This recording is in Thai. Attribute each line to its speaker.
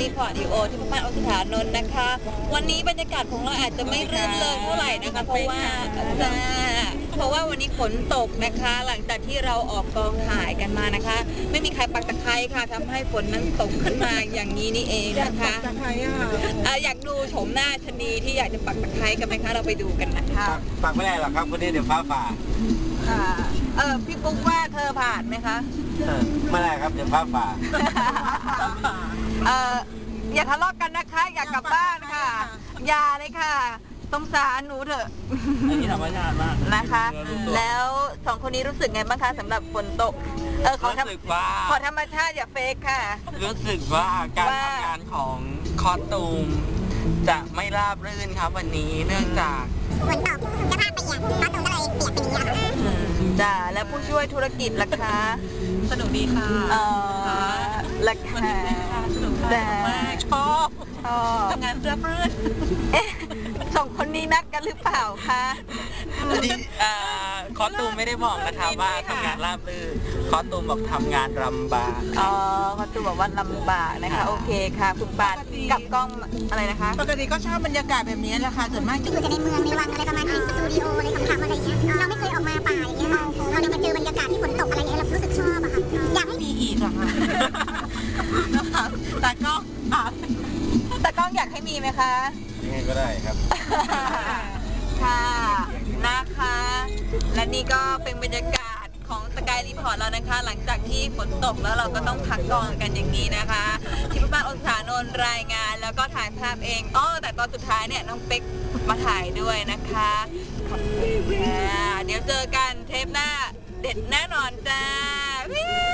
Speaker 1: รีพอร์ตดีโอที่บ้านอสถานนท์นะคะวันนี้บรรยากาศของเราอาจจะไม่รื่นเริงเท่าไหร่นะคะเพราะว่าวันนี้ฝนตกนะคะหลังจากที่เราออกกองถ่ายกันมานะคะไม่มีใครปักตะไคร้ค่ะทำให้ฝนนั้นตกขึ้นมาอย่างนี้นี่เองนะคะอยากดูโฉมหน้าชนีที่อยากจะปักตะไคร้กันไหมคะเราไปดูกันนะคะ
Speaker 2: ปักไม่ได้หรอกครับวันนี้เดี๋ยวฟ้าผ่า
Speaker 1: พี่ปุ๊กว่าเธอผ่านไหมคะ
Speaker 2: ไม่ได้ครับเดี๋ยวฟ้าผ่า
Speaker 1: อย่าทะเลาะกันนะคะอยากกลับบ้านค่ะอย่าเลยค่ะสงสารหนูเถอะ
Speaker 2: อันนี้ธรรมชาติมาก
Speaker 1: นะคะแล้วสองคนนี้รู้สึกไงบ้างคะสำหรับฝนตกขอธรรมชาติอย่าเฟกค่ะ
Speaker 2: รู้สึกว่าการทำงานของคอสตูมจะไม่ราบรื่นครับวันนี้เนื่องจาก
Speaker 3: ฝนตกจะพลาดไปอีกคอสตูมก็เลยเปียกเป็นอย่างนี้
Speaker 1: จ้าแล้วผู้ช่วยธุรกิจล่ะคะ
Speaker 4: สนุกดีค่ะ
Speaker 1: ราคา
Speaker 4: สนุกมากชอบทำงานราบรื่น
Speaker 1: สองคนนี้นัดกันหรือเปล่าคะ
Speaker 2: คอสตูมไม่ได้บอกนะคะว่าทำงานราบรื่นคอสตูมบอกทำงานลำบาก
Speaker 1: คอสตูมบอกว่าลำบากนะคะโอเคค่ะคุณปานกับกล้องอะไรนะคะ
Speaker 4: ปกติก็ชอบบรรยากาศแบบนี้แหละค่ะส่วนมาก
Speaker 3: ก็คือจะในเมืองในวังอะไรประมาณนี้สตูดิโออะไรขำๆอะไรอย่างเงี้ยเราไม่เคยออกมาป่าอย่างเงี้ยเราได้มาเจอบรรยากาศที่ฝนตกอะไรอย่างเงี้ยเรารู้สึกชอบอะค่ะอยากให้
Speaker 4: มีอีกอะค่ะแต่ก็
Speaker 1: อยากให้มีไหมคะ
Speaker 2: ยังไงก็ได้ครับ
Speaker 1: ค่ะนะคะและนี่ก็เป็นบรรยากาศของสกายรีพอร์ตแล้วนะคะหลังจากที่ฝนตกแล้วเราก็ต้องพักกองกันอย่างนี้นะคะที่บ้านอสถานนท์รายงานแล้วก็ถ่ายภาพเองแต่ตอนสุดท้ายเนี่ยน้องเป๊กมาถ่ายด้วยนะคะขอบคุณค่ะเดี๋ยวเจอกันเทปหน้าเด็ดแน่นอนจ้า